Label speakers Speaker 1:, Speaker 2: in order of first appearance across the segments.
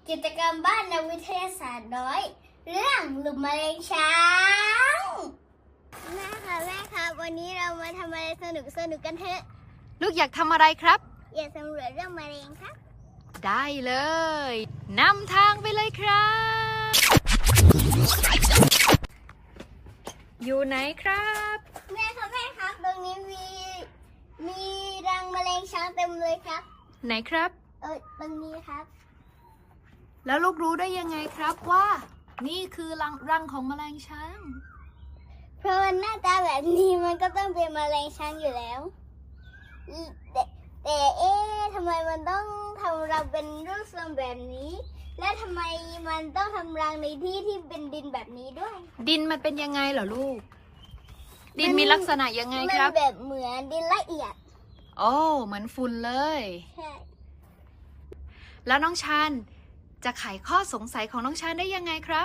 Speaker 1: กิจกรรมบ้านนักวิทยาศาสตร์น้อย เรื่องหลุมแมลงช้างแม่ครับวันนี้เรามาทำอะไรสนุกกันเถอะ
Speaker 2: ลูกอยากทำอะไรครับ
Speaker 1: อยากสำรวจเรื่องแมลงครับ
Speaker 2: ได้เลยนำทางไปเลยครับ อยู่ไหนครับ
Speaker 1: แม่ครับตรงนี้มีรังแมลงช้างเต็มเลยครับ
Speaker 2: ไหนครับ
Speaker 1: ตรงนี้ครับ
Speaker 2: แล้วลูกรู้ได้ยังไงครับว่า นี่คือรังของแมลงช้าง
Speaker 1: เพราะมันหน้าตาแบบนี้มันก็ต้องเป็นแมลงช้างอยู่แล้วแต่ทำไมมันต้องทำรังเป็นรูปทรงแบบนี้ และทำไมมันต้องทำรังในที่ที่เป็นดินแบบนี้ด้วย
Speaker 2: ดินมันเป็นยังไงเหรอลูก ดินมีลักษณะยังไงครับ
Speaker 1: มันแบบเหมือนดินละเอียด
Speaker 2: โอ้เหมือนฝุ่นเลย
Speaker 1: ใช่
Speaker 2: แล้วน้องชันจะไขข้อสงสัยของน้องชันได้ยังไงครับ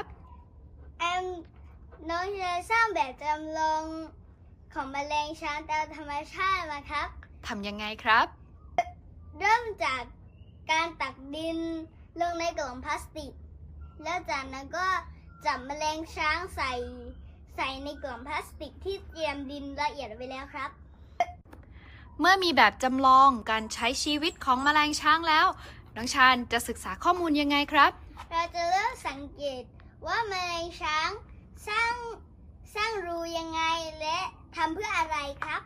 Speaker 1: น้องจะสร้างแบบจำลองของแมลงช้างตามธรรมชาติมาครับ
Speaker 2: ทำยังไงครับ
Speaker 1: เริ่มจากการตักดินลงในกล่องพลาสติก แล้วจากนั้นก็จับแมลงช้างใส่ในกล่องพลาสติกที่เตรียมดินละเอียดไว้แล้วครับ
Speaker 2: เมื่อมีแบบจำลองการใช้ชีวิตของแมลงช้างแล้ว น้องชันจะศึกษาข้อมูลยังไงครับ
Speaker 1: เราจะเริ่มสังเกตว่าแมลงช้างสร้างรูยังไงและทำเพื่ออะไรครับ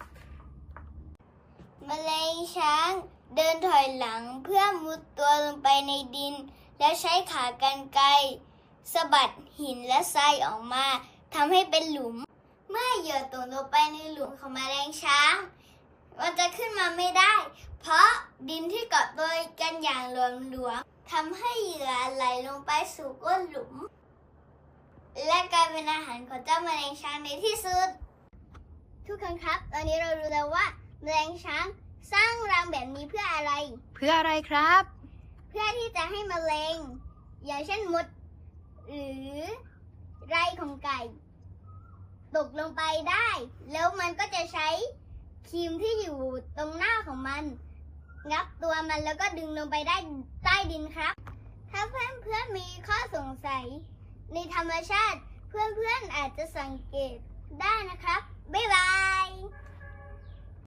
Speaker 1: แมลงช้างเดินถอยหลังเพื่อมุดตัวลงไปในดิน แล้วใช้ขากรรไกรสะบัดหินและทรายออกมาทำให้เป็นหลุม เมื่อเหยื่อตกลงไปในหลุมของแมลงช้างมันจะขึ้นมาไม่ได้ เพราะดินที่เกาะตัวกันอย่างหลวมๆทำให้เหยื่อไหลลงไปสู่ก้นหลุม และกลายเป็นอาหารของเจ้าแมลงช้างในที่สุด ทุกคนครับ ตอนนี้เรารู้แล้วว่าแมลงช้างสร้างรังแบบนี้เพื่ออะไร
Speaker 2: เพื่ออะไรครับ
Speaker 1: เพื่อที่จะให้แมลงอย่างเช่นมด หรือไรของไก่ ตกลงไปได้ แล้วมันก็จะใช้ครีมที่อยู่ตรงหน้าของมัน งับตัวมันแล้วก็ดึงลงไปได้ใต้ดินครับ ถ้าเพื่อนๆมีข้อสงสัยในธรรมชาติ เพื่อนๆอาจจะสังเกตได้นะครับ บ๊ายบาย